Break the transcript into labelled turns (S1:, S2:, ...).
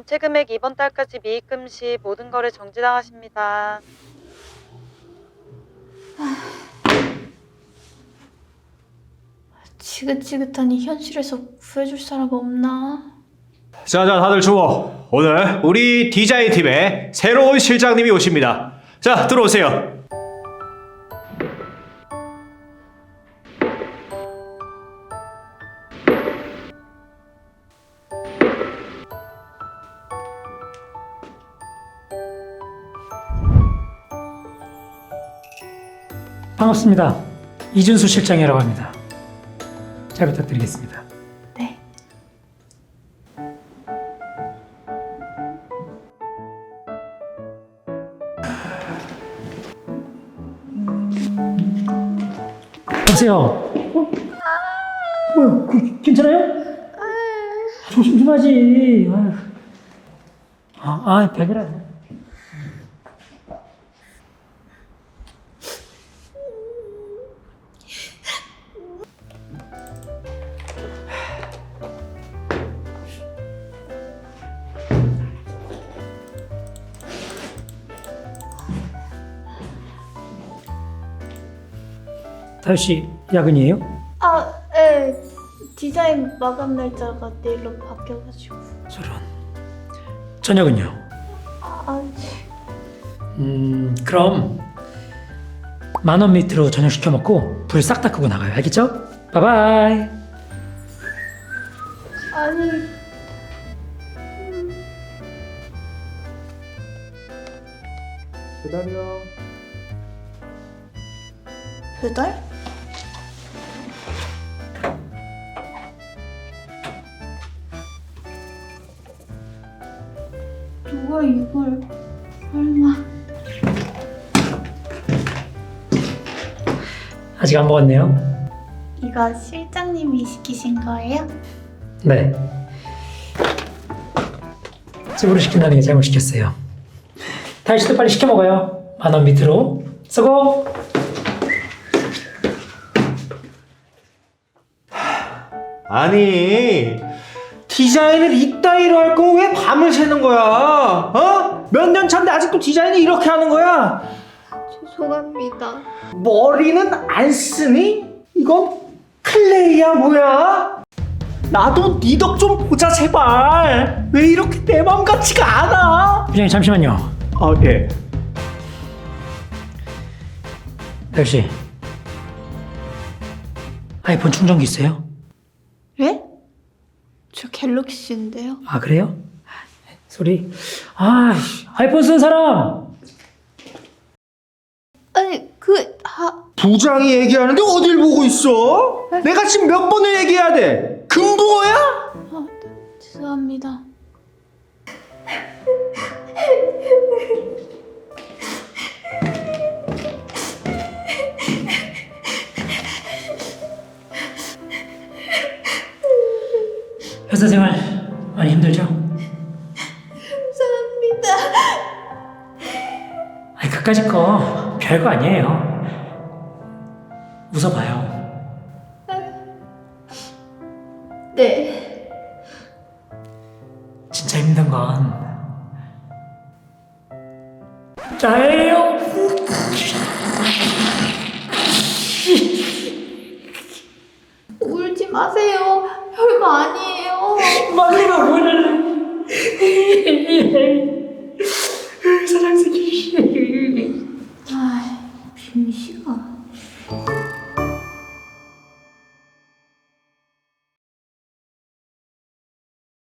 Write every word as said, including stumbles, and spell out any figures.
S1: 전체 금액 이번 달까지 미입금 시 모든 거래 정지당하십니다.
S2: 지긋지긋하니 현실에서 구해줄 사람 없나?
S3: 자자 다들 주목. 오늘 우리 디자인팀에 새로운 실장님이 오십니다. 자 들어오세요.
S4: 반갑습니다. 이준수 실장이라고 합니다. 잘 부탁드리겠습니다.
S2: 네.
S4: 여보세요. 어? 뭐야? 그, 괜찮아요? 조심 좀 하지. 아유. 아, 아, 백이라. 다효 씨, 야근이에요?
S2: 아, 네. 디자인 마감 날짜가 내일로 바뀌어가지고.
S4: 저런. 저녁은요?
S2: 아,
S4: 음, 그럼 만 원 밑으로 저녁 시켜 먹고 불 싹 다 끄고 나가요. 알겠죠? 바이바이.
S2: 아니.
S3: 배달이요.
S2: 배달? 누가 이걸 설마?
S4: 아직 안 먹었네요.
S2: 이거 실장님이 시키신 거예요?
S4: 네. 집으로 시킨다는 게 잘못 시켰어요. 다효 씨도 빨리 시켜 먹어요. 만 원 밑으로 쓰고.
S3: 아니 디자인을 이따위로 할 거면 왜 밤을 새는 거야? 어? 몇 년 차인데 아직도 디자인을 이렇게 하는 거야?
S2: 죄송합니다.
S3: 머리는 안 쓰니? 이건 클레이야 뭐야? 나도 네 덕 좀 보자 제발. 왜 이렇게 내 맘 같지가 않아?
S4: 부장님 잠시만요.
S3: 아 예.
S4: 다효 씨, 아이폰 충전기 있어요?
S2: 예? 저 갤럭시인데요.
S4: 아 그래요? 소리. 아 아이폰 쓴 사람.
S2: 아니 그 하.
S3: 부장이 얘기하는데 어딜 보고 있어? 내가 지금 몇 번을 얘기해야 돼? 금붕어야?
S2: 아, 죄송합니다.
S4: 회사 생활 많이 힘들죠?
S2: 죄송합니다.
S4: 아니 그까짓 거 별거 아니에요. 웃어봐요.
S2: 네.
S4: 진짜 힘든 건 나예요.
S2: 울지 마세요. 별거 아니에요.
S4: 막내가 뭐를